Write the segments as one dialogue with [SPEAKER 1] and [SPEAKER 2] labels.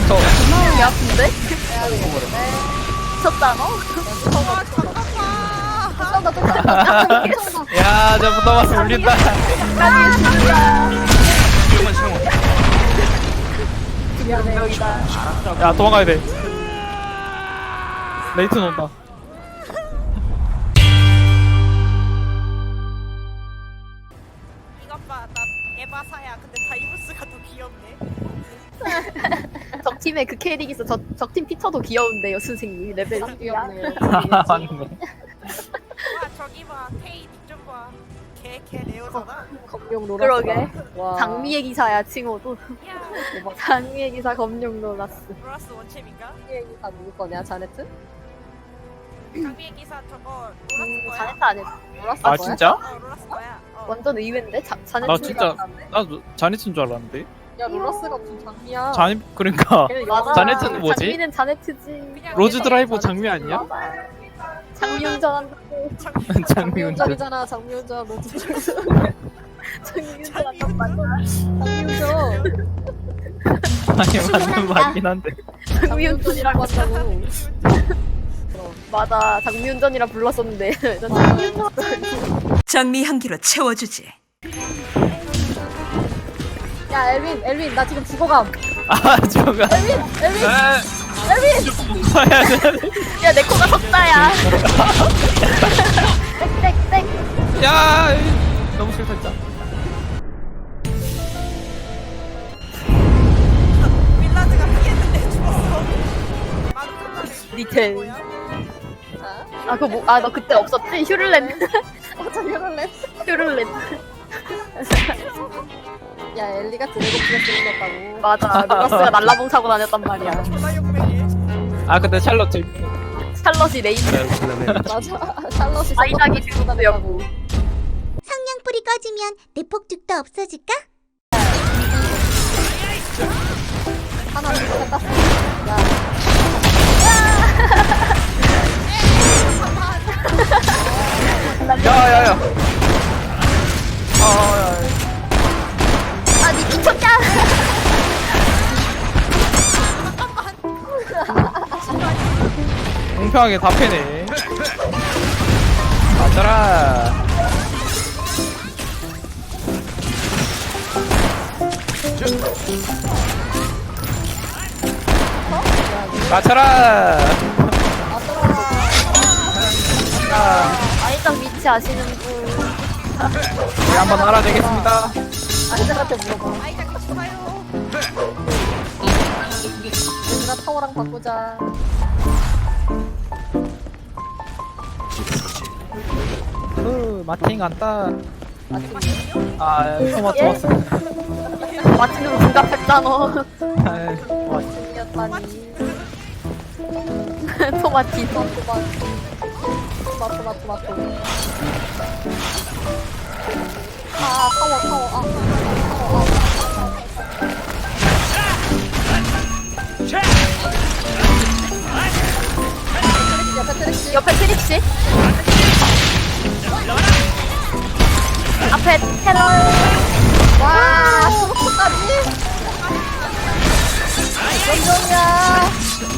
[SPEAKER 1] 개 아픈데? 미쳤잖아?
[SPEAKER 2] 야, 저 붙어봤어 울린다. 야, 도망가야 돼. 레이튼 온다.
[SPEAKER 3] 이것 봐, 나 에바사야. 근데 다이브스가 더 귀엽네.
[SPEAKER 1] 적팀에 그 캐릭 있어. 적팀 피터도 귀여운데요, 선생님. 레벨 3이야.
[SPEAKER 2] 맞네.
[SPEAKER 3] 와, 저기 봐. 테이 닉좀 봐. 걔 레어잖아.
[SPEAKER 4] 검룡 로라스.
[SPEAKER 1] 그러게.
[SPEAKER 4] 와.
[SPEAKER 1] 장미의 기사야, 칭호도.
[SPEAKER 3] 야,
[SPEAKER 1] 장미의 기사 검룡 놀랐어.
[SPEAKER 3] 로라스 원챔인가?
[SPEAKER 4] 장미의 기사 누구 거냐? 자네트?
[SPEAKER 3] 장미의 기사 저거 로라스 거야?
[SPEAKER 1] 자네트 안 했어.
[SPEAKER 4] 로라스
[SPEAKER 2] 아
[SPEAKER 4] 거야?
[SPEAKER 2] 진짜?
[SPEAKER 3] 로라스 거야.
[SPEAKER 1] 완전 의외인데? 자네트.
[SPEAKER 2] 나 진짜 나도 자네트인 줄 알았는데.
[SPEAKER 4] 야 로라스가 무슨 장미야?
[SPEAKER 2] 자네 그러니까
[SPEAKER 4] 걔는
[SPEAKER 1] 맞아.
[SPEAKER 2] 자네트는 뭐지?
[SPEAKER 1] 장미는 자네트지.
[SPEAKER 3] 그냥
[SPEAKER 2] 로즈
[SPEAKER 3] 걔네
[SPEAKER 2] 드라이버 장미 아니야?
[SPEAKER 1] 장미 운전한다고.
[SPEAKER 2] 장미 운전.
[SPEAKER 4] 장미운전이잖아. 장미운전 로즈
[SPEAKER 1] 장미 운전한단 말이야.
[SPEAKER 4] 장미운전.
[SPEAKER 2] 아니 맞는 말이긴 한데.
[SPEAKER 1] 장미 운전이라고
[SPEAKER 4] 장미운전이라고
[SPEAKER 1] 한다고.
[SPEAKER 4] 한다고.
[SPEAKER 1] 맞아. 장미 운전이라 불렀었는데. 장미 운전.
[SPEAKER 5] 장미 향기로 채워주지.
[SPEAKER 4] 야 엘빈 나 지금 죽어감.
[SPEAKER 2] 아 저거.
[SPEAKER 4] 엘빈
[SPEAKER 2] 봐야 돼.
[SPEAKER 1] 야, 내 코가 석자야. 땡땡땡.
[SPEAKER 2] 야 너무 싫다 진짜.
[SPEAKER 3] 빌라드가 피했는데 죽었어. 마루카타를
[SPEAKER 1] 리텔.
[SPEAKER 3] 뭐야?
[SPEAKER 4] 자,
[SPEAKER 1] 아, 그거 뭐, 아, 너 그때 없었지? 휴를렌.
[SPEAKER 4] 어차 이럴래?
[SPEAKER 1] 휴를렌.
[SPEAKER 4] 야 엘리가 드래곤 플레스 생겼다고.
[SPEAKER 1] 맞아. 로라스가 날라봉 차고 다녔단 말이야.
[SPEAKER 3] 졸라 욕맹해.
[SPEAKER 2] 아 근데 샬럿 재밌네.
[SPEAKER 1] 샬럿이 레이드.
[SPEAKER 4] 맞아. 샬럿이
[SPEAKER 1] 아이작이 주도였고.
[SPEAKER 6] 성냥불이 꺼지면 내 폭죽도 없어질까?
[SPEAKER 4] 하나 죽었다. 야
[SPEAKER 2] 야야야.
[SPEAKER 1] 아, 니 미쳤냐?
[SPEAKER 2] 공평하게 다 패네. 맞아라. 맞춰라.
[SPEAKER 1] 아이작 위치 아시는 분.
[SPEAKER 2] 네, 한번 알아내겠습니다.
[SPEAKER 4] 아이작한테 물어봐.
[SPEAKER 3] 아이작 같이 가요.
[SPEAKER 4] 얘들아 타워랑 바꾸자.
[SPEAKER 2] 마팅 간다.
[SPEAKER 4] 아침
[SPEAKER 2] 아 토마토.
[SPEAKER 1] 마침내로 분갑했잖아.
[SPEAKER 4] 아침이었다니.
[SPEAKER 1] 토마티.
[SPEAKER 4] 토마토. 아 타워.
[SPEAKER 1] 옆에 트릭시. 앞에 테러.
[SPEAKER 4] 와 수고까지. 연정이야.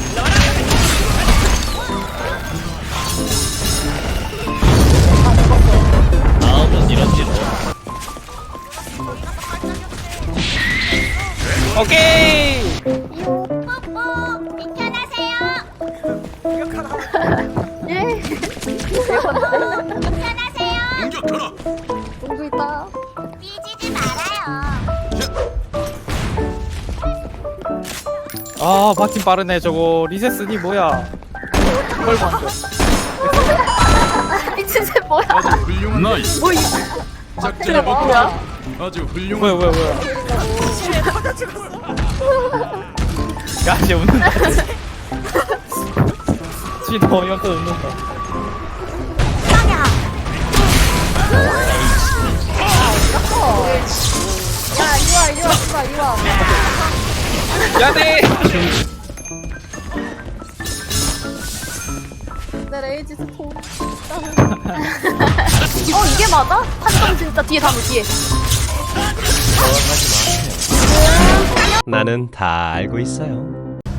[SPEAKER 2] 오케이.
[SPEAKER 6] 뽀뽀! 편하세요!
[SPEAKER 1] 예.
[SPEAKER 6] 편하세요!
[SPEAKER 4] 공주 있다.
[SPEAKER 6] 삐지지 말아요.
[SPEAKER 2] 아 마틴 빠르네 저거. 리세스니 뭐야? 뭘 만져?
[SPEAKER 1] 미친 새 뭐야?
[SPEAKER 7] 나이스.
[SPEAKER 1] 뭐 이.
[SPEAKER 7] 작전을
[SPEAKER 1] 뭐야?
[SPEAKER 7] 뭐야? 아주 훌륭한.
[SPEAKER 2] 뭐야? 야, 쟤 웃는다. 쥐너 어이없어 웃는다.
[SPEAKER 4] 야 이리 와.
[SPEAKER 2] 야, 네.
[SPEAKER 4] 내 레이지 스톤.
[SPEAKER 1] 이게 맞아? 한정 진짜 뒤에 다노 뒤에.
[SPEAKER 8] 나는 다 알고 있어요.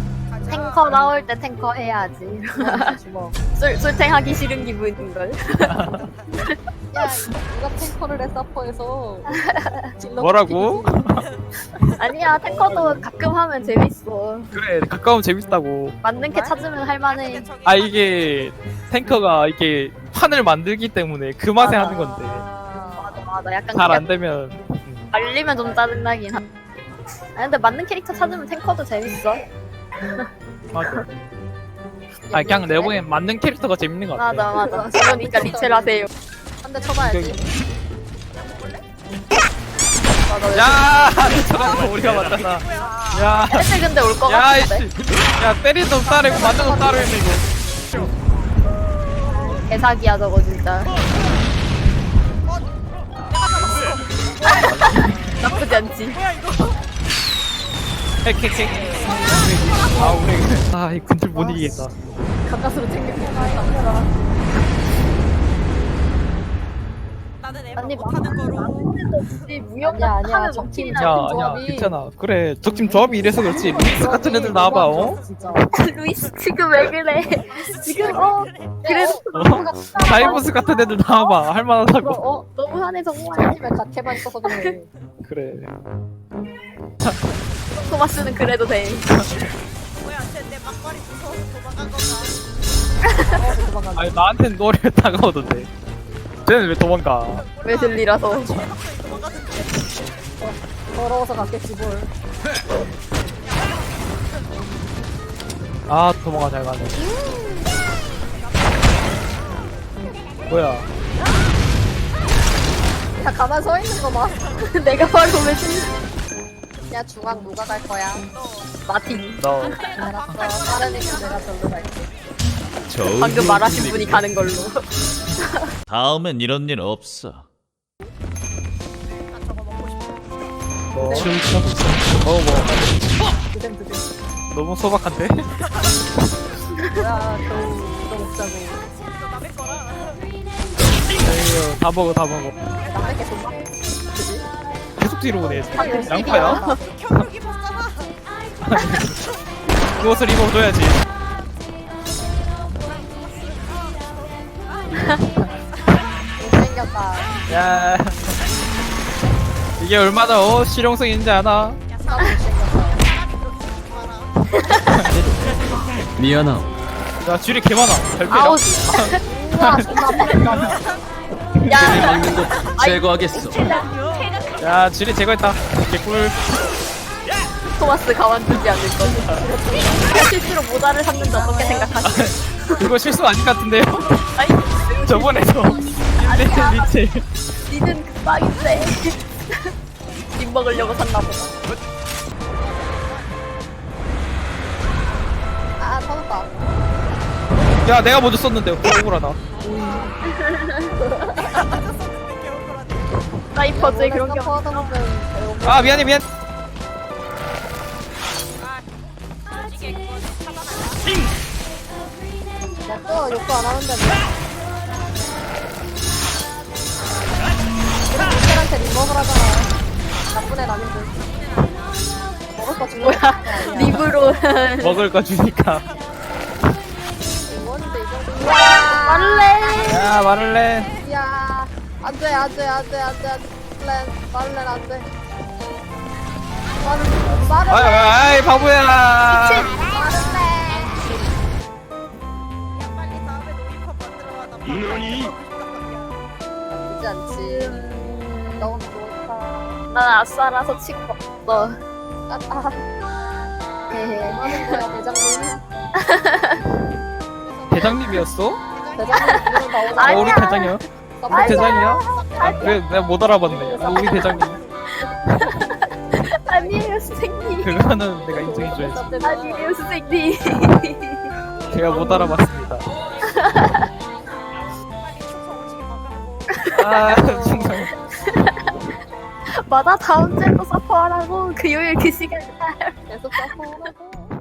[SPEAKER 1] 탱커 나올 때 탱커 해야지.
[SPEAKER 4] 주먹.
[SPEAKER 1] 술탱하기 싫은 기분인걸.
[SPEAKER 4] 야, 누가 탱커를 해 서퍼에서. 딜러
[SPEAKER 2] 뭐라고?
[SPEAKER 1] 아니야, 탱커도 가끔 하면 재밌어.
[SPEAKER 2] 그래 가까우면 재밌다고.
[SPEAKER 1] 맞는 캐 찾으면 할만해.
[SPEAKER 3] 근데 저기
[SPEAKER 2] 아 이게 탱커가 이게 판을 만들기 때문에 그 맛에 하는 건데
[SPEAKER 1] 맞아, 맞아. 약간
[SPEAKER 2] 잘
[SPEAKER 1] 그게
[SPEAKER 2] 안 되면
[SPEAKER 1] 말리면 좀 짜증나긴 한. 아 근데 맞는 캐릭터 찾으면 탱커도 재밌어.
[SPEAKER 2] 맞아. 아 그냥 내 보기엔 맞는 캐릭터가 재밌는 것 같아.
[SPEAKER 1] 맞아, 맞아. 그러니까 리첼 하세요.
[SPEAKER 4] 한 대 쳐봐야지.
[SPEAKER 1] 맞아.
[SPEAKER 2] 야 저런 우리가 맞잖아. 야.
[SPEAKER 1] 사실 근데 올 거
[SPEAKER 2] 야,
[SPEAKER 1] 같은데.
[SPEAKER 2] 이씨. 야, 때린 놈 따르고 맞는 놈 따르고 있네, 이거.
[SPEAKER 1] 개사기야 저거 진짜. 나쁘지 않지.
[SPEAKER 3] 뭐야 이거?
[SPEAKER 2] 핵. 아, 우리. 아, 이 근들 못 이기겠다.
[SPEAKER 4] 가까스로 챙겨주니까.
[SPEAKER 3] 나는 에바
[SPEAKER 1] 아니,
[SPEAKER 3] 못하는 거로.
[SPEAKER 1] 혹시 무역
[SPEAKER 4] 아니야,
[SPEAKER 1] 하면
[SPEAKER 4] 적팀
[SPEAKER 1] 먹히나?
[SPEAKER 2] 야,
[SPEAKER 4] 적팀
[SPEAKER 2] 아니야,
[SPEAKER 4] 조합이.
[SPEAKER 2] 괜찮아. 그래, 적팀 조합이 이래서 그렇지. 루이스 같은 애들 나와봐, 어?
[SPEAKER 4] 진짜.
[SPEAKER 1] 루이스 지금 왜 그래? 지금 그래도
[SPEAKER 2] 다이버스 같은 애들 나와봐. 할만하다고.
[SPEAKER 1] 너무하네 정말.
[SPEAKER 4] 팀에 갓캐만 있어서 그래.
[SPEAKER 2] 그래.
[SPEAKER 1] 토마스는 그래도 돼.
[SPEAKER 3] 뭐야 쟤내 막걸리 무서워서 도망간 건가?
[SPEAKER 4] 도망간다.
[SPEAKER 2] 아니, 나한텐 노래 다가오던데. 쟤는 왜 도망가?
[SPEAKER 1] 왜 들리라서.
[SPEAKER 3] 도망가던데.
[SPEAKER 4] 더러워서 갔겠지 뭘.
[SPEAKER 2] 아, 도망가 잘 가네. 뭐야?
[SPEAKER 4] 다 가만 서 있는 거 봐.
[SPEAKER 1] 내가 바로 왜 들리?
[SPEAKER 4] 야 중앙 누가 갈 거야?
[SPEAKER 1] 마틴.
[SPEAKER 2] 너.
[SPEAKER 4] 알았어. 빠르니까 내가 절로 갈게.
[SPEAKER 1] 방금 말하신 분이 가는 걸로.
[SPEAKER 8] 다음엔 이런 일 없어.
[SPEAKER 3] 아 저거 먹고 싶어.
[SPEAKER 2] 뭐. 뭐.
[SPEAKER 4] 드zem.
[SPEAKER 2] 너무 소박한데?
[SPEAKER 4] 뭐야 겨우 이거 먹자고.
[SPEAKER 3] 이거 남의 거라.
[SPEAKER 2] 에휴, 다 먹어.
[SPEAKER 4] 남의 게 돈 많이
[SPEAKER 2] 계속 뒤로 오네.
[SPEAKER 4] 방금
[SPEAKER 2] 양파야?
[SPEAKER 3] 겨울 입었잖아.
[SPEAKER 2] 그것을 입어줘야지.
[SPEAKER 4] 못생겼다.
[SPEAKER 2] 야. 이게 얼마나 실용성 있는지 아나?
[SPEAKER 4] 나 못생겼다.
[SPEAKER 7] 미안하오.
[SPEAKER 2] 야, 줄이 개 많아. 잘 빼라.
[SPEAKER 1] 아우.
[SPEAKER 4] 우와 존나 아프겠다.
[SPEAKER 1] 야.
[SPEAKER 7] 먹는 것 제거하겠어.
[SPEAKER 2] 야, 줄이 제거했다. 개꿀.
[SPEAKER 1] 토마스 가만두지 않을 거지. 실수로 모자를 샀는데 어떻게 생각하시?
[SPEAKER 2] 그거 실수 아닌 것 같은데요?
[SPEAKER 1] 아니
[SPEAKER 2] 저번에도. 리체.
[SPEAKER 1] 니는 급박인데. 님 먹으려고 샀나 보다.
[SPEAKER 4] 아 터졌다.
[SPEAKER 2] 야, 내가 먼저 썼는데. 억울하다.
[SPEAKER 1] 사이퍼즈에 그런 게 없.
[SPEAKER 4] 퍼하다보면
[SPEAKER 2] 아, 미안해.
[SPEAKER 3] 아 조직에 그거 차단할까?
[SPEAKER 4] 야또 욕도 안 하는데 우리 모텔한테 립 먹으라잖아. 나쁜 애 아닌데. 먹을 거 주는
[SPEAKER 1] 뭐야? 립으로.
[SPEAKER 2] 먹을 거 주니까.
[SPEAKER 4] 원인데 이거.
[SPEAKER 1] 말래.
[SPEAKER 2] 야, 말을 해.
[SPEAKER 4] 야 안돼 말렌 안돼. 말을
[SPEAKER 2] 아이, 바보야.
[SPEAKER 3] 야 빨리 다음에 노이팝 만들어와 나
[SPEAKER 7] 너니?
[SPEAKER 4] 나쁘지 않지. 너무 좋다.
[SPEAKER 1] 난 아싸라서 치고 없어. 헤헤.
[SPEAKER 4] 하는 거야 대장님.
[SPEAKER 2] 대장님이었어?
[SPEAKER 4] 대장님 부르면 나오자.
[SPEAKER 2] 아, 우리 대장이야? 우리 대장이야? 아,
[SPEAKER 1] 아니야.
[SPEAKER 2] 그래, 내가 못 알아봤네. 아, 우리 대장님.
[SPEAKER 1] 아니에요 선생님.
[SPEAKER 2] 그거는 내가 인정해줘야지.
[SPEAKER 1] 아니에요 선생님.
[SPEAKER 2] 제가 못 알아봤습니다.
[SPEAKER 3] 빨리 충성 오지게 막아보고.
[SPEAKER 2] 아, 정말.
[SPEAKER 1] 맞아 다음 주에 또 서퍼하라고. 그 요일 그 시간에.
[SPEAKER 4] 계속 사포하고.